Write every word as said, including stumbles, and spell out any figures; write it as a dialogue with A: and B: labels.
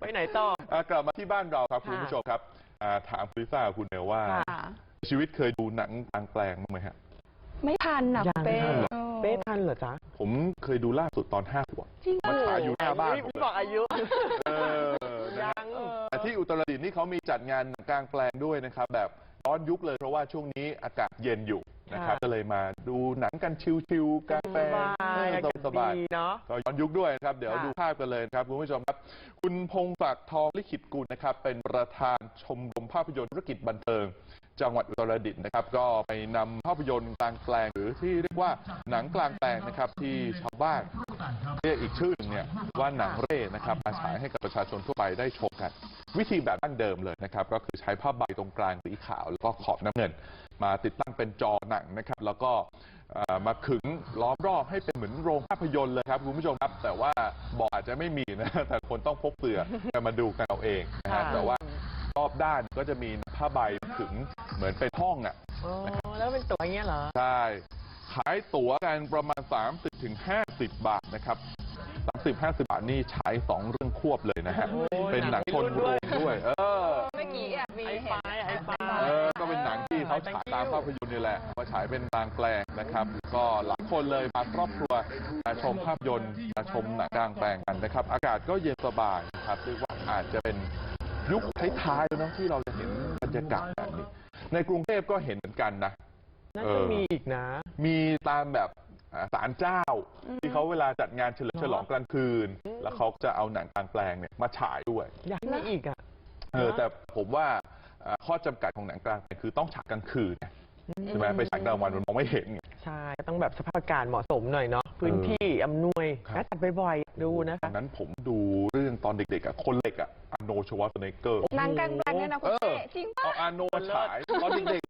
A: ไปไหนต่อ
B: อ่ากลับมาที่บ้านเราครับคุณผู้ชมครับอ่าถามคุณลิซ่าคุณเนลว่าชีวิตเคยดูหนังกลางแปลงบ้างไหมฮะ
C: ไม่ทันนะเป้
A: เป้ทันเหรอจ๊ะ
B: ผมเคยดูล่าสุดตอนห้าขวบมาฉายอยู่หน้าบ้านผม
A: บอกอายุ
B: เออยังแต่ที่อุตรดิตถ์นี่เขามีจัดงานกลางแปลงด้วยนะครับแบบย้อนยุคเลยเพราะว่าช่วงนี้อากาศเย็นอยู่นะครับก็เลยมาดูหนังกันชิวๆกลางแปลงสบายๆเนาะก็ย้อนยุคด้วยนะครับเดี๋ยวดูภาพกันเลยครับคุณผู้ชมครับคุณพงศักดิ์ทองลิขิตกุลนะครับเป็นประธานชมรมภาพยนตร์ธุรกิจบันเทิงจังหวัดอุตรดิตถ์นะครับก็ไปนำภาพยนตร์กลางแปลงหรือที่เรียกว่าหนังกลางแปลงนะครับที่ชาวบ้านเรียกอีกชื่อหนึ่งเนี่ยว่าหนังเร่นะครับมาฉายให้กับประชาชนทั่วไปได้ชมกันวิธีแบบดั้งเดิมเลยนะครับก็คือใช้ผ้าใบตรงกลางสีขาวแล้วก็ขอบน้ำเงินมาติดตั้งเป็นจอหนังนะครับแล้วก็มาขึงล้อมรอบให้เป็นเหมือนโรงภาพยนตร์เลยครับคุณผู้ชมครับแต่ว่าบอกอาจจะไม่มีนะแต่คนต้องพกเสื่อมาดูกันเอาเองนะครับแต่ว่ารอบด้านก็จะมีผ้าใบขึงเหมือนเป็นห้องอ่ะ
A: แล้วเป็นตั๋วอย่างเงี้ยเหรอ
B: ใช่ขายตั๋วกันประมาณ สามสิบถึงห้าสิบ บาทนะครับสามสิบ ห้าสิบ บาทนี่ฉายสองเรื่องควบเลยนะฮะเป็นหนังชนโรงด้วยเออ
C: เมื่อกี้มี
A: ไอ้ปลายไอ้ปลาย
B: เออก็เป็นหนังที่เขาฉายตามภาพยนตร์นี่แหละมาฉายเป็นกลางแปลงนะครับก็หลายคนเลยมาครอบครัวมาชมภาพยนตร์มาชมหนังกลางแปลงกันนะครับอากาศก็เย็นสบายครับเรียกว่าอาจจะเป็นยุคท้ายๆแล้วที่เราจะเห็นบรรยากาศแบบนี้ในกรุงเทพก็เห็นเหมือนกันนะ
A: น่าจะมีอีกนะ
B: มีตามแบบศาลเจ้าที่เขาเวลาจัดงานเฉลิมฉลองกลางคืนแล้วเขาจะเอาหนังกลางแปลงเนี่ยมาฉายด้วย
A: อยากมีอีกอ่ะ
B: เออแต่ผมว่าข้อจำกัดของหนังกลางแปลงคือต้องฉายกลางคืนใช่ไหมไปฉายกลางวันมันมองไม่เห็น
A: ใช่ต้องแบบสภาพอากาศเหมาะสมหน่อยเนาะพื้นที่อำนวยน่าจัดบ่อยๆดูนะคะ
B: ตอนนั้นผมดูเรื่องตอนเด็กๆอ่ะคนเหล็กอ่ะอาร์โน ชวาร์เซเนกเกอร์
C: หนังกลางแปลงเนี่ยนะคุณเป้จริงป่ะ
B: เอาอาร์โนมาฉายตอนเด็ก